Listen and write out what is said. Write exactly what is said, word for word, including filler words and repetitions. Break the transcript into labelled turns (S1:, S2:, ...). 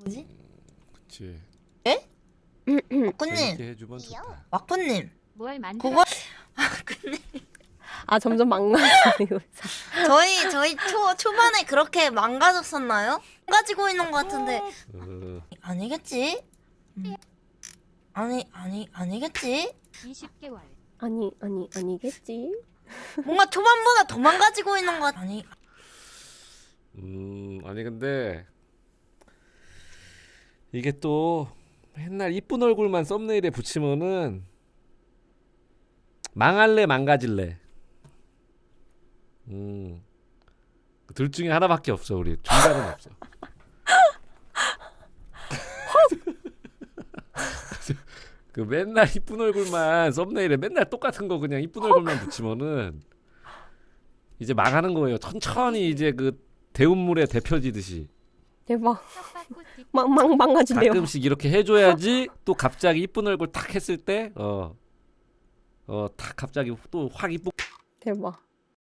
S1: 뭐지?
S2: 그치.
S1: 에? 와꾸님,
S2: 재밌게 해주면 좋다.
S1: 와꾸님.
S3: 뭘 만들어?
S1: 그거 와꾸님.
S4: 아 점점 망가지고 있어.
S1: 저희 저희 초 초반에 그렇게 망가졌었나요? 망가지고 있는 것 같은데
S2: 어,
S1: 아니겠지? 음. 아니 아니 아니겠지?
S3: 이십 개월.
S4: 아니 아니 아니겠지.
S1: 뭔가 초반보다 더 망가지고 있는 것 같... 아니
S2: 음 아니 근데 이게 또 맨날 이쁜 얼굴만 썸네일에 붙이면은 망할래 망가질래. 음. 둘 중에 하나밖에 없어. 우리 중간은 없어. 그 맨날 이쁜 얼굴만 썸네일에 맨날 똑같은 거 그냥 이쁜 얼굴만 붙이면은 이제 망하는 거예요. 천천히 이제 그 대운물에 데펴지듯이
S4: 대박.
S3: 텃밭꽃 뒷
S4: 망망 망가진대요.
S2: 가끔씩 이렇게 해줘야지 또 갑자기 이쁜 얼굴 탁 했을 때 어 어 탁 갑자기 또 확 이쁘
S4: 대박.